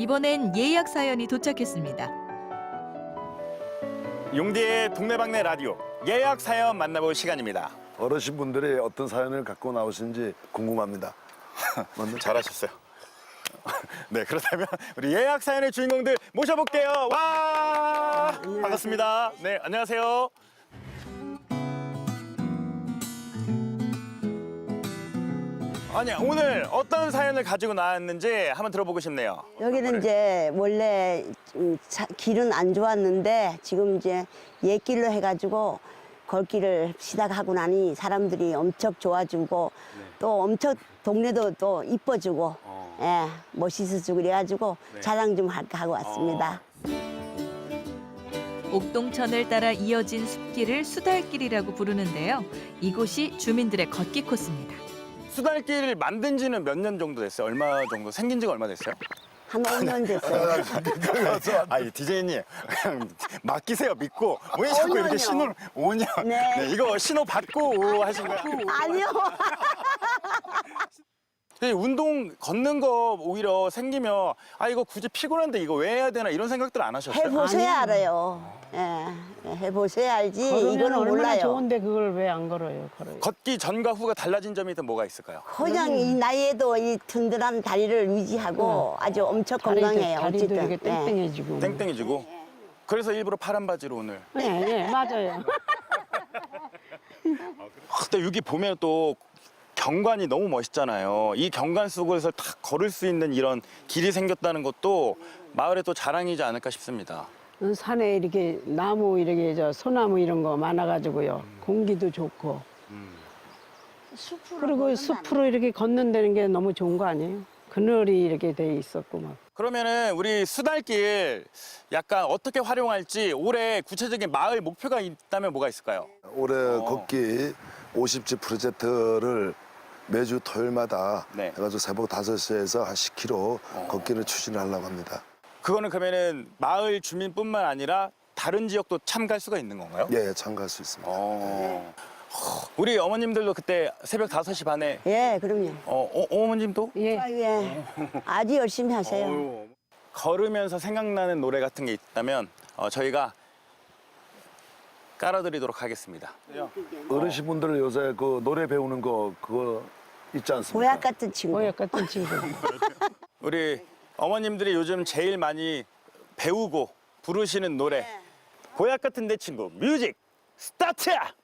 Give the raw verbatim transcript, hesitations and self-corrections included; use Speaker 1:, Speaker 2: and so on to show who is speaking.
Speaker 1: 이번엔 예약 사연이 도착했습니다.
Speaker 2: 용디의 동네방네 라디오 예약 사연 만나볼 시간입니다.
Speaker 3: 어르신분들이 어떤 사연을 갖고 나오신지 궁금합니다.
Speaker 2: 잘하셨어요. 네, 그렇다면 우리 예약 사연의 주인공들 모셔볼게요. 와, 반갑습니다. 네, 안녕하세요. 아니, 오늘 어떤 사연을 가지고 나왔는지 한번 들어보고 싶네요.
Speaker 4: 여기는 이제 원래 음, 차- 길은 안 좋았는데 지금 이제 옛길로 해가지고 걸길을 시작하고 나니 사람들이 엄청 좋아지고 또 엄청 동네도 또 이뻐지고 예, 멋있어지고 그래가지고 자랑 좀 할까 하고 왔습니다.
Speaker 1: 옥동천을 따라 이어진 숲길을 수달길이라고 부르는데요. 이곳이 주민들의 걷기 코스입니다.
Speaker 2: 수달길을 만든 지는 몇 년 정도 됐어요? 얼마 정도? 생긴 지가 얼마 됐어요?
Speaker 4: 한 오 년 됐어요.
Speaker 2: 아니, 디제이님, 그냥 맡기세요, 믿고. 왜 자꾸 이렇게
Speaker 4: 오 년이요.
Speaker 2: 신호를, 오 년.
Speaker 4: 네.
Speaker 2: 네, 이거 신호 받고 하신 거예요?
Speaker 4: 아니요.
Speaker 2: 근데 운동 걷는 거 오히려 생기면 아 이거 굳이 피곤한데 이거 왜 해야 되나 이런 생각들 안 하셨어요?
Speaker 4: 해보셔야 알아요. 예, 해보셔야 알지.
Speaker 5: 걸으면
Speaker 4: 이거는
Speaker 5: 얼마나
Speaker 4: 몰라요.
Speaker 5: 좋은데 그걸 왜 안 걸어요? 걸어요.
Speaker 2: 걷기 전과 후가 달라진 점이 또 뭐가 있을까요?
Speaker 4: 그냥 이 나이에도 이 든든한 다리를 유지하고 아주 엄청
Speaker 5: 다리도,
Speaker 4: 건강해요.
Speaker 5: 다리도
Speaker 4: 어쨌든.
Speaker 5: 이렇게
Speaker 4: 예.
Speaker 5: 땡땡해지고.
Speaker 2: 땡땡해지고 그래서 일부러 파란 바지로 오늘.
Speaker 5: 네, 네, 맞아요.
Speaker 2: 아, 근데 여기 보면 또 경관이 너무 멋있잖아요. 이 경관 속에서 딱 걸을 수 있는 이런 길이 생겼다는 것도 마을의 또 자랑이지 않을까 싶습니다.
Speaker 5: 산에 이렇게 나무 이렇게 저 소나무 이런 거 많아가지고요. 공기도 좋고. 그리고 숲으로 이렇게 걷는다는 게 너무 좋은 거 아니에요? 그늘이 이렇게 돼 있었고 막.
Speaker 2: 그러면은 우리 수달길 약간 어떻게 활용할지 올해 구체적인 마을 목표가 있다면 뭐가 있을까요?
Speaker 3: 올해 걷기 오십 지 프로젝트를 매주 토요일마다
Speaker 2: 네.
Speaker 3: 해가지고 새벽 다섯 시에서 한 십 킬로미터 걷기를 추진하려고 합니다.
Speaker 2: 그거는 그러면은 마을 주민뿐만 아니라 다른 지역도 참가할 수가 있는 건가요?
Speaker 3: 예, 참가할 수 있습니다.
Speaker 2: 어. 우리 어머님들도 그때 새벽 다섯 시 반에
Speaker 4: 예, 그럼요.
Speaker 2: 어, 어, 어머님도?
Speaker 5: 예.
Speaker 4: 아, 예. 아주 열심히 하세요.
Speaker 2: 어휴. 걸으면서 생각나는 노래 같은 게 있다면 어, 저희가 깔아드리도록 하겠습니다.
Speaker 3: 어르신분들 요새 그 노래 배우는 거 그거 있지 않습니까?
Speaker 4: 보약 같은 친구.
Speaker 5: 보약 같은 친구.
Speaker 2: 우리 어머님들이 요즘 제일 많이 배우고 부르시는 노래 보약 같은 내 친구 뮤직 스타트!